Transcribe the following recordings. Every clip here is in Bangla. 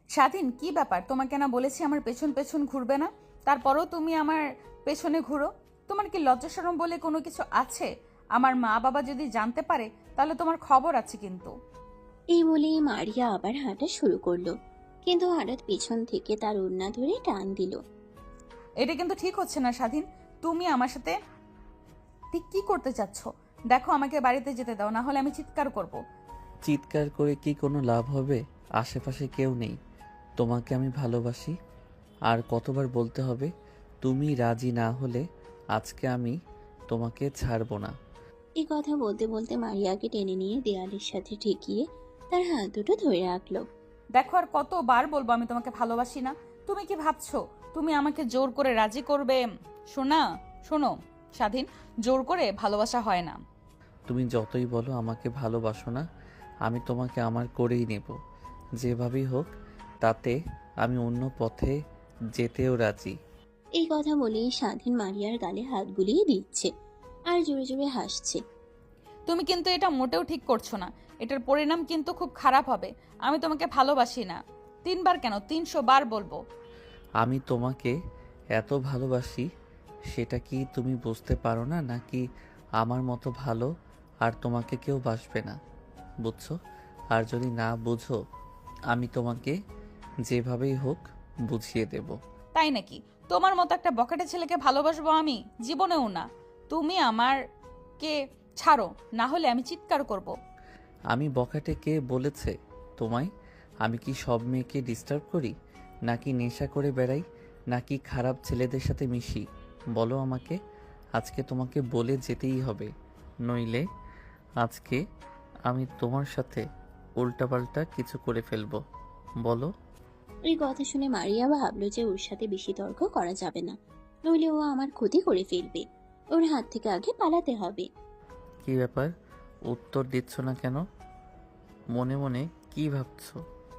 স্বাধীন, কি ব্যাপার? তোমাকে না বলেছি আমার পেছন পেছন ঘুরবে না, তারপরেও তুমি আমার পেছনে ঘুরো। তোমার কি লজ্জা শরম বলে কোনো কিছু আছে? আমার মা বাবা যদি জানতে পারে তাহলে তোমার খবর আছে কিন্তু। এই বলেই মারিয়া আবার হাঁটা শুরু করলো, কিন্তু হঠাৎ পিছন থেকে তার ওড়না ধরে টান দিল। এটা কিন্তু ঠিক হচ্ছে না স্বাধীন। তুমি আমার সাথে ঠিক কি করতে চাচ্ছ? দেখো, আমাকে বাড়িতে যেতে দাও, না হলে আমি চিৎকার করব। চিৎকার করে কি কোনো লাভ হবে? আশেপাশে কেউ নেই। তোমাকে আমি ভালোবাসি। আর কতবার বলতে হবে? তুমি রাজি না হলে আজকে আমি তোমাকে ছাড়বো না। এই কথা বলতে বলতে মারিয়াকে টেনে নিয়ে দেয়ালের সাথে ঠেকিয়ে তার হাত দুটো ধরে রাখলো। দেখো, আর কতবার বলবো আমি তোমাকে ভালোবাসি না? তুমি কি ভাবছো তুমি আমাকে জোর করে রাজি করবে? শোনা, শোনো স্বাধীন, জোর করে ভালোবাসা হয় না। তুমি যতই বলো আমাকে ভালোবাসো না, আমি তোমাকে আমার করেই নেব। যেভাবেই হোক, তাতে আমি অন্য পথে যেতেও রাজি। এই কথা বলেই স্বাধীন মারিয়ার গালে হাত বুলিয়ে দিচ্ছে আর জোরে জোরে হাসছে। তুমি কিন্তু এটা মোটেও ঠিক করছো না। এটার পরিণাম কিন্তু খুব খারাপ হবে। আমি তোমাকে ভালোবাসি না। 3 বার কেন, 300 বার বলবো। আমি তোমাকে এত ভালোবাসি, সেটা কি তুমি বুঝতে পারো না? নাকি আমার মতো ভালো আর তোমাকে কেউ বাসবে না? বুঝছো? আর যদি না বুঝো, আমি তোমাকে যেভাবেই হোক বুঝিয়ে দেব। তাই নাকি? তোমার মতো একটা বকেটে ছেলেকে ভালোবাসবো আমি? জীবনেও না। তুমি আমারকে ছাড়ো, না হলে আমি চিৎকার করব। আমি বখাটে কে বলেছে তোমায়? আমি কি সব মেয়েকে ডিস্টার্ব করি? নাকি নেশা করে বেড়াই? নাকি খারাপ ছেলেদের সাথে মিশি? বলো আমাকে। আজকে তোমাকে বলে যেতেই হবে, নইলে আজকে আমি তোমার সাথে উল্টাপাল্টা কিছু করে ফেলবো। বলো। এই কথা শুনে মারিয়া ভাবলো যে ওর সাথে বেশি তর্ক করা যাবে না, নইলে ও আমার ক্ষতি করে ফেলবে। ওর হাত থেকে আগে পালাতে হবে। কি ব্যাপার? উত্তর দিচ্ছ না কেন? মনে মনে কি ভাবছো?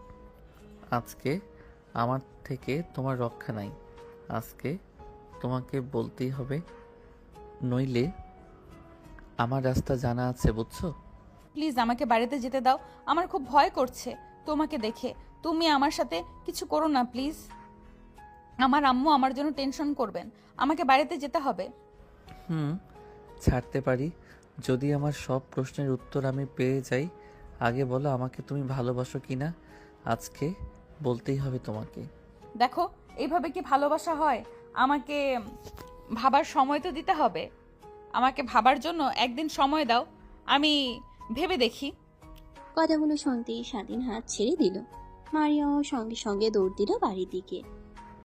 আজকে আমার থেকে তোমার রক্ষা নাই। আজকে তোমাকে বলতেই হবে, নইলে আমার রাস্তা জানা আছে, বুঝছো? প্লিজ আমাকে বাড়িতে যেতে দাও। আমার খুব ভয় করছে তোমাকে দেখে। তুমি আমার সাথে কিছু করো না প্লিজ। আমার আম্মু আমার জন্য টেনশন করবেন। আমাকে বাড়িতে যেতে হবে। হুম, ছাড়তে পারি যদি আমার সব প্রশ্নের উত্তর আমি পেয়ে যাই। আগে বলো, আমাকে তুমি ভালোবাসো কি না? আজকে বলতেই হবে তোমাকে। দেখো, এইভাবে কি ভালোবাসা হয়? আমাকে ভাবার সময় তো দিতে হবে। আমাকে ভাবার জন্য একদিন সময় দাও, আমি ভেবে দেখি। কথাগুলো শুনতেই স্বাধীন হাত ছেড়ে দিল। মারিয়াও সঙ্গে সঙ্গে দৌড় দিল বাড়ির দিকে।